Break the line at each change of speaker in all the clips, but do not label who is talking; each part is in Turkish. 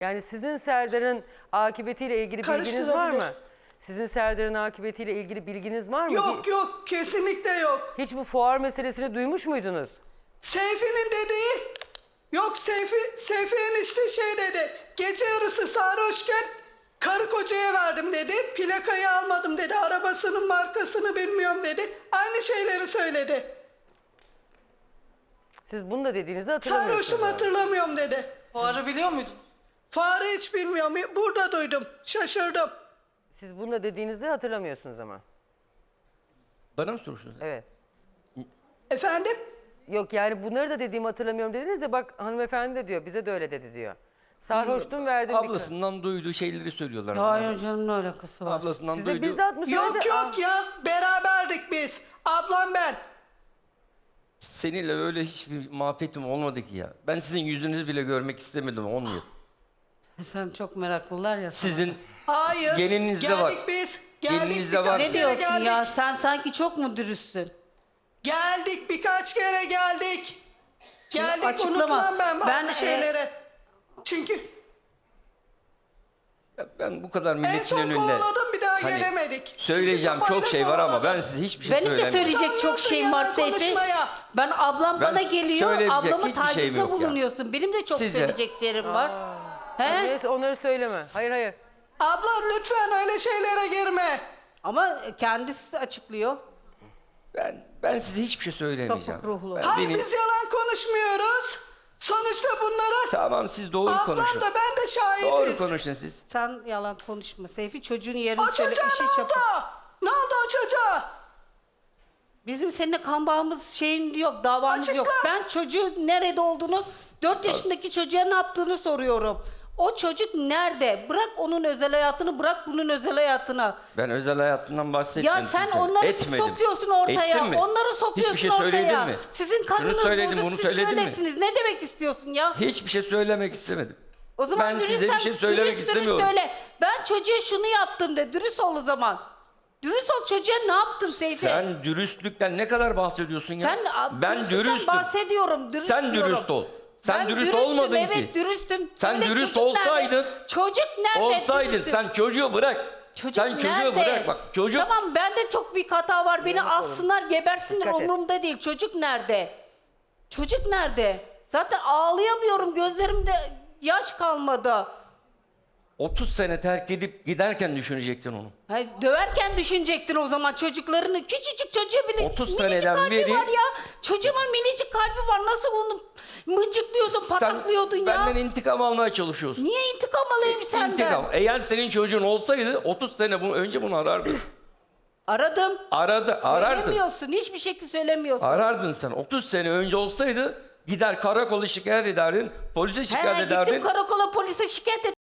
Yani sizin Serdar'ın akıbetiyle ilgili bilginiz var mı?
Karıştırabilir.
Sizin Serdar'ın akıbetiyle ilgili bilginiz var mı?
Yok kesinlikle yok.
Hiç bu fuar meselesini duymuş muydunuz?
Seyfi'nin dediği yok, Seyfi enişte şey dedi. Gece yarısı sarhoşken karı kocaya verdim dedi. Plakayı almadım dedi. Arabasının markasını bilmiyorum dedi. Aynı şeyleri söyledi.
Siz bunu da dediğinizde hatırlamıyorsunuz.
Sarhoşum hatırlamıyorum dedi.
Fuarı biliyor muydun?
Farı hiç bilmiyorum. Burada duydum. Şaşırdım.
Siz bunu da dediğinizde hatırlamıyorsunuz ama.
Bana mı soruyorsunuz?
Evet.
Efendim?
Yok yani bunları da dediğimi hatırlamıyorum dediniz de bak hanımefendi de diyor bize de öyle dedi diyor. Sarhoştum verdim bir
Ablasından duyduğu şeyleri söylüyorlar.
Hayır canım, ne alakası var?
Ablasından
Size
duyduğu...
bizzat mı söyledi?
Yok ya. Beraberdik biz. Ablam ben.
Seninle öyle hiçbir muhabbetim olmadı ki ya. Ben sizin yüzünüzü bile görmek istemedim, olmuyor.
Sen çok meraklılar ya sana.
Sizin
Hayır.
geninizde
geldik
var.
biz. Geldik
Geninizde
birkaç
var.
Ne
kere
diyorsun
geldik.
ya? Sen sanki çok mu dürüstsün?
Geldik birkaç kere geldik. Geldik
açıklama.
unutmam ben bazı
Ben,
şeyleri. Çünkü
Ben bu kadar
en
milletin
son
önünde...
kovaladım bir daha
Hani
gelemedik.
söyleyeceğim
Çünkü
çok şey var ama
kovaladım.
ben size hiçbir şey
Benim de
söylemiyorum.
söyleyecek çok şeyim var
Yalan
Seyfi.
konuşmaya.
Ben ablam
Ben
bana geliyor,
söyleyecek
ablamı
hiçbir şeyim
tacizde
yok ya.
bulunuyorsun. Benim de çok
Size-
söyleyecek şeylerim var. He?
Neyse onları söyleme. Hayır hayır.
Abla lütfen öyle şeylere girme.
Ama kendisi açıklıyor.
Ben size hiçbir şey söylemeyeceğim.
Sapık ruhlu.
Ben
Hayır
beni-
biz yalan konuşmuyoruz. Sonuçta bunlara
Tamam siz doğru
ablam
konuşun.
da ben de şahitiz.
Doğru konuşun siz.
Sen yalan konuşma Seyfi. Çocuğun yerini
O
söyle.
çocuğa
işi
ne oldu?
çabuk.
Ne oldu o çocuğa?
Bizim seninle kan bağımız şeyin yok, davamız
Açıkla.
yok. Ben çocuğun nerede olduğunu, 4 yaşındaki çocuğa ne yaptığını soruyorum. O çocuk nerede? Bırak onun özel hayatını, bırak bunun özel hayatını.
Ben özel hayatımdan bahsetmedim.
Ya sen
kimsenin.
onları
Etmedim.
sokuyorsun ortaya.
Ettim mi?
Onları sokuyorsun
Hiçbir şey söyledim
ortaya.
mi?
Sizin kanınız
Şunu söyledim,
bozuk,
bunu
siz
söyledim mi?
şöylesiniz. Ne demek istiyorsun ya?
Hiçbir şey söylemek istemedim.
O zaman
Ben size
dürüstsem
bir şey söylemek
dürüst
istemiyorum.
söyle. Ben çocuğa şunu yaptım de. Dürüst ol o zaman. Dürüst ol, çocuğa ne yaptın Seyfi?
Sen dürüstlükten ne kadar bahsediyorsun ya?
Sen
ben
dürüstlükten
dürüstüm.
bahsediyorum. Dürüst
Sen
diyorum.
dürüst ol. Sen
Ben
dürüst
dürüstüm,
olmadın
evet,
ki.
dürüstüm.
Sen
Söyle,
dürüst
çocuk nerede?
olsaydın.
Çocuk nerede?
Olsaydın
Dürüstüm.
sen çocuğu bırak.
Çocuk
sen çocuğu
nerede?
bırak bak. Çocuk
Tamam, bende çok büyük hata var. Beni alsınlar, gebersinler,
Dikkat et.
umurumda değil. Çocuk nerede? Çocuk nerede? Zaten ağlayamıyorum. Gözlerimde yaş kalmadı.
30 sene terk edip giderken düşünecektin onu.
Hayır, döverken düşünecektin o zaman çocuklarını. Küçücük çocuğa bile
30
minicik
seneden
kalbi
beri-
var ya. Çocuğumun minicik kalbi var. Nasıl onu mıncıklıyordun, pataklıyordun ya?
benden intikam almaya çalışıyorsun.
Niye intikam alayım senden?
İntikam. Eğer senin çocuğun olsaydı 30 sene önce bunu arardın.
Aradım.
Arardın.
Söylemiyorsun. Hiçbir şekilde söylemiyorsun.
Arardın sen. 30 sene önce olsaydı gider karakola şikayet ederdin, polise şikayet ederdin.
Gittim karakola, polise şikayet ettim.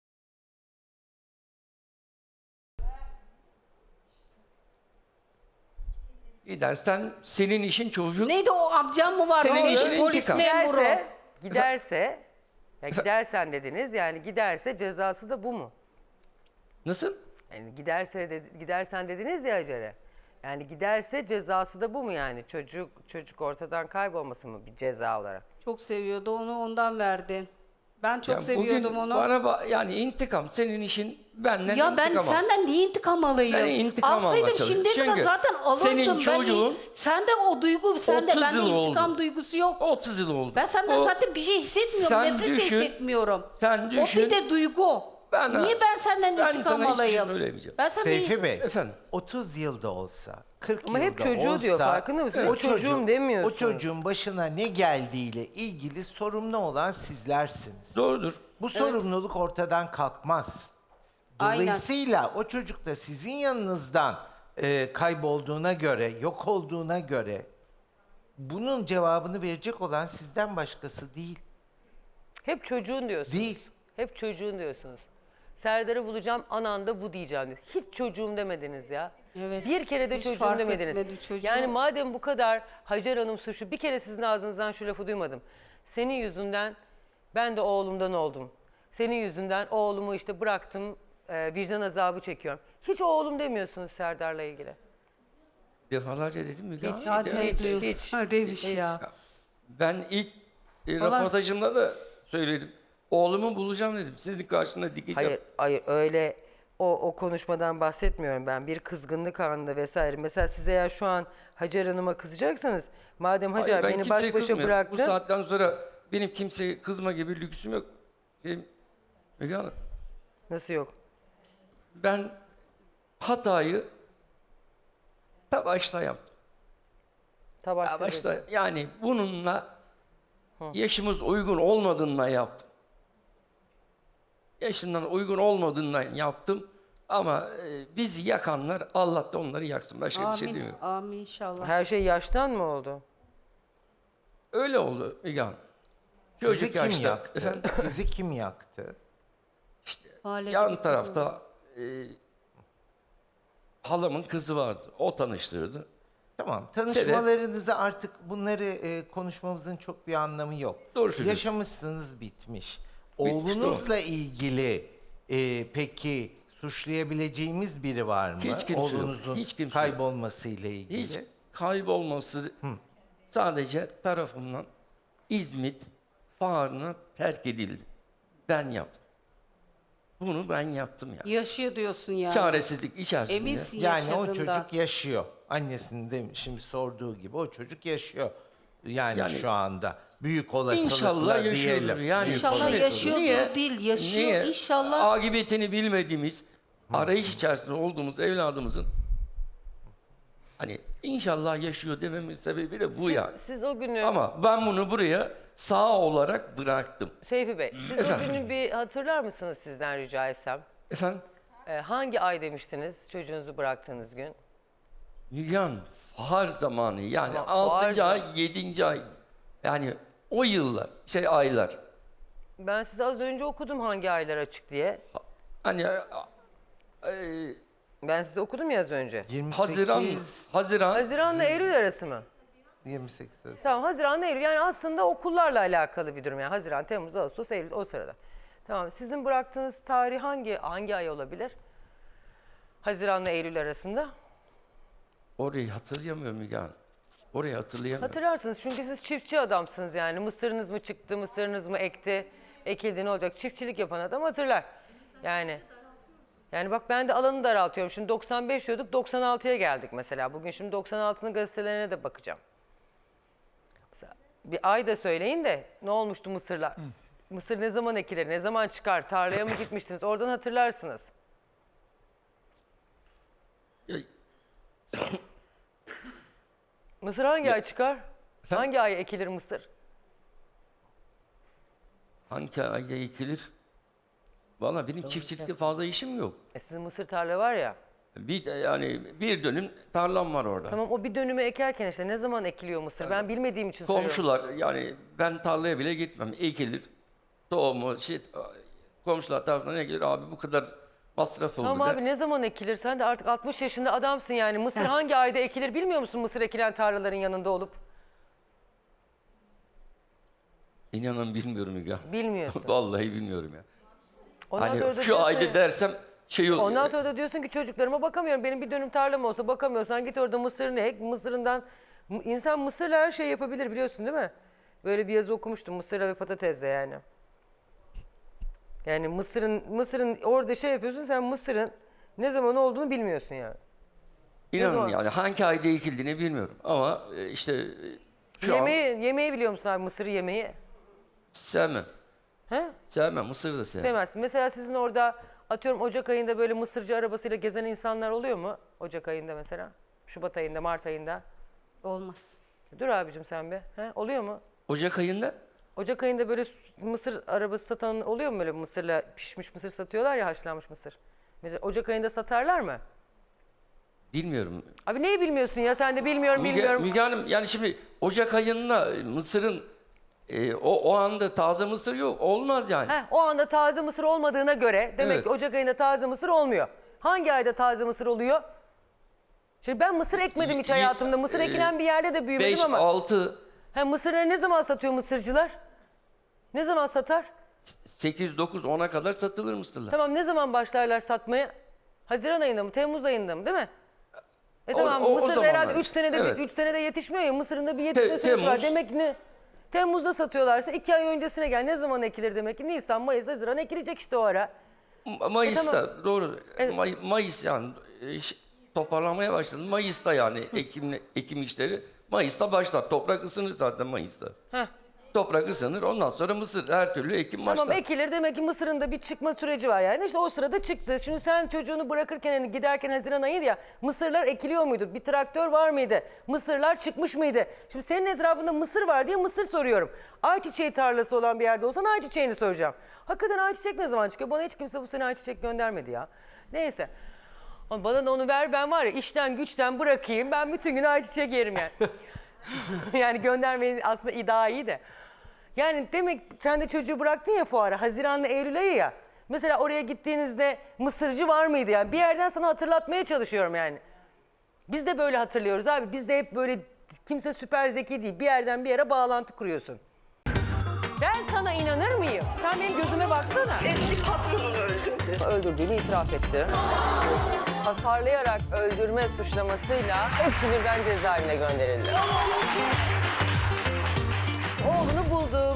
Gidersen senin işin çocuk.
Neydi o amcam mı var?
Senin
O
işin
polis
intikam.
memuru.
Giderse ya gidersen dediniz yani giderse cezası da bu mu?
Nasıl?
Yani gidersen dediniz ya Hacer'e. Yani giderse cezası da bu mu yani? Çocuk ortadan kaybolması mı bir ceza olarak?
Çok seviyordu onu, ondan verdi. Ben çok
Ya
seviyordum
bugün
onu.
Bana yani intikam senin işin benden
Ya ben
intikam al.
senden niye intikam alayım?
Ben intikam almaya
Alsaydım
çalışıyorum.
şimdiye kadar
Çünkü
zaten alırdım.
senin çocuğun
sende o duygu, sende
30
bende
yıl
intikam
oldu.
duygusu yok.
30 yıl oldu.
Ben senden
O-
zaten bir şey hissetmiyorum.
Sen
Nefret
düşün,
de hissetmiyorum.
sen
O
düşün.
bir de duygu.
Ben-
Niye ben senden
ben
intikam
sana hiçbir şey
alayım?
söylemeyeceğim.
Ben sana
Seyfi Bey,
Efendim?
30 yılda olsa, 40
Ama
yılda
hep çocuğu
olsa,
diyor, farkında mısın? Hiç çocuğum demiyorsun.
O çocuğun başına ne geldiğiyle ilgili sorumlu olan sizlersiniz.
Doğrudur.
Bu sorumluluk ortadan kalkmaz.
Aynen.
Dolayısıyla o çocuk da sizin yanınızdan kaybolduğuna göre, yok olduğuna göre bunun cevabını verecek olan sizden başkası değil.
Hep çocuğun diyorsunuz.
Değil.
Hep çocuğun diyorsunuz. Serdar'ı bulacağım, anan da bu diyeceğim diyor. Hiç çocuğum demediniz ya.
Evet.
Bir kere de
Hiç
çocuğum
fark
demediniz.
etmedim çocuğu.
Yani madem bu kadar Hacer Hanım suçlu, bir kere sizin ağzınızdan şu lafı duymadım. Senin yüzünden ben de oğlumdan oldum. Senin yüzünden oğlumu işte bıraktım, vicdan azabı çekiyorum. Hiç oğlum demiyorsunuz Serdar'la ilgili.
Defalarca dedim mi?
Hiç.
Hadi
Hiç.
Hadi demiş ya.
Ben ilk
Allah-
röportajımda da söyledim. Oğlumu bulacağım dedim. Sizin karşısında dikeceğim.
Hayır öyle o konuşmadan bahsetmiyorum ben. Bir kızgınlık anında vesaire. Mesela siz eğer şu an Hacer Hanım'a kızacaksanız madem Hacer
Hayır, ben
beni
kimseye
baş başa
kızmıyorum.
bıraktın.
Bu saatten sonra benim kimseye kızma gibi lüksüm yok. Müge Hanım,
Nasıl yok?
ben hatayı ta başta yaptım.
Ta başta
Başta
dedi.
yani bununla yaşımız uygun olmadığından yaptım. Yaşından uygun olmadığından yaptım. Ama bizi yakanlar Allah da onları yaksın. Başka bir şey
Amin.
demiyorum.
Amin inşallah.
Her şey yaştan mı oldu?
Öyle oldu Müge Hanım.
Sizi
Çocuk
kim
yaşta.
yaktı?
Efendim?
Sizi kim yaktı?
Aile
Yan tarafta halamın kızı vardı. O tanıştırdı.
Tamam. Tanışmalarınızı artık bunları konuşmamızın çok bir anlamı yok.
Doğru söylüyorsun.
Yaşamışsınız, bitmiş. Oğlunuzla ilgili peki suçlayabileceğimiz biri var mı?
Hiç kimse yok.
Oğlunuzun
Hiç kimse yok.
kaybolmasıyla ilgili.
Hiç kaybolması sadece tarafımdan İzmit Fuarı'na terk edildi. Ben yaptım. Bunu ben yaptım yani.
yaşıyor diyorsun yani.
Çaresizlik içerisinde.
Eminsin
Yani o
yaşadığında.
çocuk yaşıyor. Annesinin de şimdi sorduğu gibi o çocuk yaşıyor. Yani,
Yani
şu anda büyük olasılıkla
İnşallah yaşıyordur.
diyelim.
Yani
Büyük
İnşallah
olasılıkla.
yaşıyordur değil, yaşıyor inşallah.
Akıbetini bilmediğimiz, arayış içerisinde olduğumuz evladımızın hani inşallah yaşıyor dememin sebebi de bu yani.
Siz o günü
Ama ben bunu buraya sağ olarak bıraktım.
Seyfi Bey, siz
Efendim?
o günü bir hatırlar mısınız sizden rica etsem?
Efendim?
Hangi ay demiştiniz çocuğunuzu bıraktığınız gün?
Müge Hanım, fahar zamanı yani
Ama
6.
fahar
ay, 7. ay yani o yıllar, aylar.
Ben size az önce okudum hangi aylar açık diye.
Hani
Ben size okudum ya az önce.
28,
Haziran'la Eylül arası mı?
28.
Tamam Haziran'la Eylül yani aslında okullarla alakalı bir durum yani Haziran, Temmuz, Ağustos, Eylül o sırada. Tamam sizin bıraktığınız tarih hangi ay olabilir? Haziran'la Eylül arasında.
orayı hatırlayamıyorum Müge Hanım. Orayı hatırlayamıyorum.
Hatırlarsınız çünkü siz çiftçi adamsınız yani. Mısırınız mı çıktı, mısırınız mı ekildi ne olacak? Çiftçilik yapan adam hatırlar. Yani bak ben de alanı daraltıyorum. Şimdi 95 diyorduk 96'ya geldik mesela. Bugün şimdi 96'nın gazetelerine de bakacağım. Mesela bir ay da söyleyin de ne olmuştu mısırlar? Mısır ne zaman ekilir, ne zaman çıkar? Tarlaya mı gitmiştiniz? Oradan hatırlarsınız.
Ya,
Mısır hangi ay çıkar? Hangi ay ekilir mısır?
hangi ayda ekilir? Valla benim çiftçilikte fazla işim yok.
Sizin mısır tarla var ya.
Bir dönüm tarlam var orada.
Tamam o bir dönümü ekerken işte ne zaman ekiliyor mısır? Ben bilmediğim için soruyorum.
Komşular yani ben tarlaya bile gitmem. Ekilir. Tohumu, komşular tarafından ekilir. Abi bu kadar masraf oldu
Tamam
de.
abi ne zaman ekilir? Sen de artık 60 yaşında adamsın yani. Mısır hangi ayda ekilir bilmiyor musun mısır ekilen tarlaların yanında olup?
İnanın bilmiyorum ya.
Bilmiyorsun.
Vallahi bilmiyorum ya.
Ondan
Hani
sonra da
şu
diyorsun
ayda
ya-
dersem oluyor.
Ondan sonra da diyorsun ki çocuklarıma bakamıyorum. Benim bir dönüm tarlam olsa bakamıyorsan git orada mısırını ek. Mısırından insan mısırla her şey yapabilir biliyorsun değil mi? Böyle bir yazı okumuştum mısırla ve patatesle yani. Yani mısırın orada şey yapıyorsun sen mısırın ne zaman olduğunu bilmiyorsun yani.
İnanın
zaman?
yani hangi ayda ekildiğini bilmiyorum. Ama şu an
Yemeği biliyor musun abi mısırı yemeği?
sevmem.
He?
Sevmem. Mısır'ı da sevmem.
Sevmezsin. Mesela sizin orada atıyorum Ocak ayında böyle mısırcı arabasıyla gezen insanlar oluyor mu? Ocak ayında mesela. Şubat ayında, Mart ayında.
Olmaz.
Dur abicim sen bir. He? Oluyor mu?
Ocak ayında
Ocak ayında böyle mısır arabası satan oluyor mu böyle mısırla pişmiş mısır satıyorlar ya haşlanmış mısır. Mesela Ocak ayında satarlar mı?
bilmiyorum.
Abi neyi bilmiyorsun ya sen de bilmiyorum.
Müge Hanım yani şimdi Ocak ayında Mısır'ın o anda taze mısır yok. Olmaz yani.
Heh, o anda taze mısır olmadığına göre demek
Evet.
ki Ocak ayında taze mısır olmuyor. Hangi ayda taze mısır oluyor? Şimdi ben mısır ekmedim hiç hayatımda. Mısır ekilen bir yerde de büyümedim
5,
ama.
6,
Mısırları ne zaman satıyor mısırcılar? Ne zaman satar?
8, 9, 10'a kadar satılır mısırlar.
Tamam ne zaman başlarlar satmaya? Haziran ayında mı? Temmuz ayında mı? Değil mi? Tamam
o
mısır
zamanlar
herhalde 3
işte.
senede
Evet.
3 senede yetişmiyor ya. Mısırın da bir yetişme süresi var.
Temmuz.
Demek ne? Temmuz'da satıyorlarsa 2 ay öncesine gel. Ne zaman ekilir demek ki? Nisan, Mayıs, Haziran ekilecek işte o ara.
Mayıs'ta
tamam.
doğru.
Evet.
Mayıs yani toparlamaya başladı. Mayıs'ta yani ekim işleri. Mayıs'ta başlar. Toprak ısınır zaten Mayıs'ta.
Heh.
Toprak ısınır. Ondan sonra mısır her türlü ekim başlar.
Tamam ekilir demek ki mısırın da bir çıkma süreci var yani. İşte o sırada çıktı. Şimdi sen çocuğunu bırakırken hani giderken Haziran ayıydı ya. Mısırlar ekiliyor muydu? Bir traktör var mıydı? Mısırlar çıkmış mıydı? Şimdi senin etrafında mısır var diye mısır soruyorum. Ayçiçeği tarlası olan bir yerde olsan ayçiçeğini soracağım. Hakikaten ayçiçek ne zaman çıkıyor? Bana hiç kimse bu sene ayçiçek göndermedi ya. Neyse. Ama bana da onu ver, ben var ya işten güçten bırakayım. Ben bütün gün ayçiçek yerim yani. Yani göndermeyin aslında daha iyi de. Yani demek sen de çocuğu bıraktın ya fuara. Haziran'la Eylül ayı ya. Mesela oraya gittiğinizde mısırcı var mıydı yani? Bir yerden sana hatırlatmaya çalışıyorum yani. Biz de böyle hatırlıyoruz abi. Biz de hep böyle kimse süper zeki değil. Bir yerden bir yere bağlantı kuruyorsun. Ben sana inanır mıyım? Sen benim gözüme baksana.
Eski patronunu öldürdü.
Öldürdüğünü itiraf etti. Hasarlayarak öldürme suçlamasıyla hepsi birden cezaevine gönderildi. Oğlunu bulduk.